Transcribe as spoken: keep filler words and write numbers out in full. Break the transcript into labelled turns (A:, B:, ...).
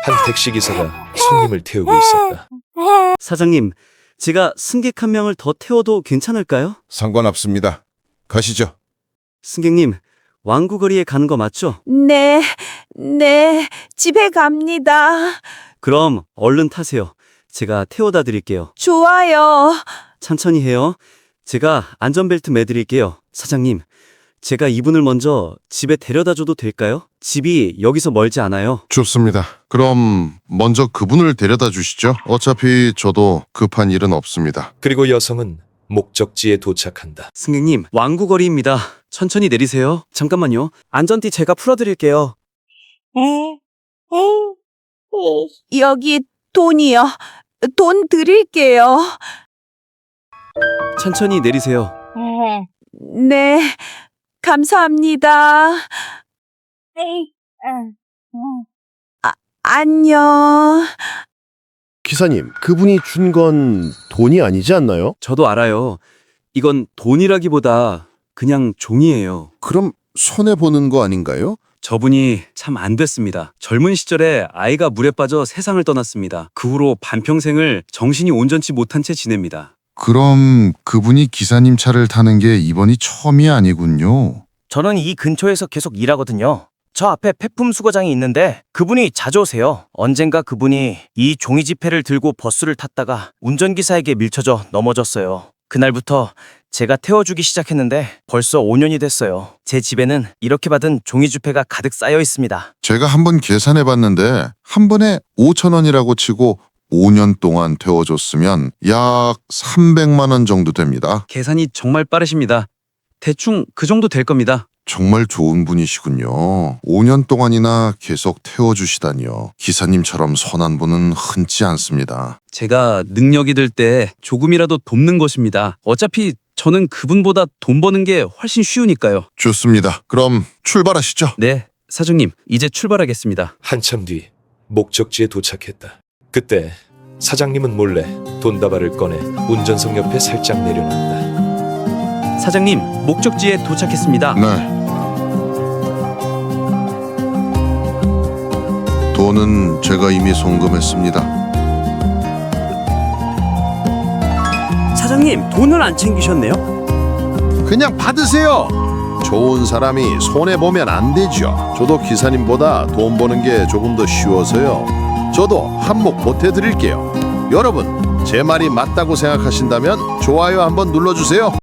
A: 한 택시기사가 손님을 태우고 있었다.
B: 사장님, 제가 승객 한 명을 더 태워도 괜찮을까요?
C: 상관없습니다. 가시죠.
B: 승객님, 왕구거리에 가는 거 맞죠?
D: 네, 네, 집에 갑니다.
B: 그럼 얼른 타세요. 제가 태워다 드릴게요.
D: 좋아요.
B: 천천히 해요. 제가 안전벨트 매드릴게요. 사장님, 제가 이분을 먼저 집에 데려다 줘도 될까요? 집이 여기서 멀지 않아요.
C: 좋습니다. 그럼 먼저 그분을 데려다 주시죠. 어차피 저도 급한 일은 없습니다.
A: 그리고 여성은 목적지에 도착한다.
B: 승객님, 왕구거리입니다. 천천히 내리세요. 잠깐만요. 안전띠 제가 풀어드릴게요.
D: 여기 돈이요. 돈 드릴게요.
B: 천천히 내리세요.
D: 네, 감사합니다. 아, 안녕.
E: 기사님, 그분이 준 건 돈이 아니지 않나요?
B: 저도 알아요. 이건 돈이라기보다 그냥 종이에요.
C: 그럼 손해보는 거 아닌가요?
B: 저분이 참 안 됐습니다. 젊은 시절에 아이가 물에 빠져 세상을 떠났습니다. 그 후로 반평생을 정신이 온전치 못한 채 지냅니다.
C: 그럼 그분이 기사님 차를 타는 게 이번이 처음이 아니군요.
F: 저는 이 근처에서 계속 일하거든요. 저 앞에 폐품 수거장이 있는데 그분이 자주 오세요. 언젠가 그분이 이 종이 지폐를 들고 버스를 탔다가 운전기사에게 밀쳐져 넘어졌어요. 그날부터 제가 태워주기 시작했는데 벌써 오 년이 됐어요. 제 집에는 이렇게 받은 종이 지폐가 가득 쌓여 있습니다.
C: 제가 한번 계산해봤는데 한 번에 오천 원이라고 치고 오 년 동안 태워줬으면 약 삼백만 원 정도 됩니다.
B: 계산이 정말 빠르십니다. 대충 그 정도 될 겁니다.
C: 정말 좋은 분이시군요. 오 년 동안이나 계속 태워주시다니요. 기사님처럼 선한 분은 흔치 않습니다.
B: 제가 능력이 될 때 조금이라도 돕는 것입니다. 어차피 저는 그분보다 돈 버는 게 훨씬 쉬우니까요.
C: 좋습니다. 그럼 출발하시죠.
B: 네, 사장님, 이제 출발하겠습니다.
A: 한참 뒤 목적지에 도착했다. 그때 사장님은 몰래 돈다발을 꺼내 운전석 옆에 살짝 내려놨다.
B: 사장님, 목적지에 도착했습니다.
C: 네. 돈은 제가 이미 송금했습니다.
B: 사장님, 돈을 안 챙기셨네요?
E: 그냥 받으세요. 좋은 사람이 손해보면 안 되죠. 저도 기사님보다 돈 버는 게 조금 더 쉬워서요. 저도 한몫 보태드릴게요. 여러분, 제 말이 맞다고 생각하신다면 좋아요 한번 눌러주세요.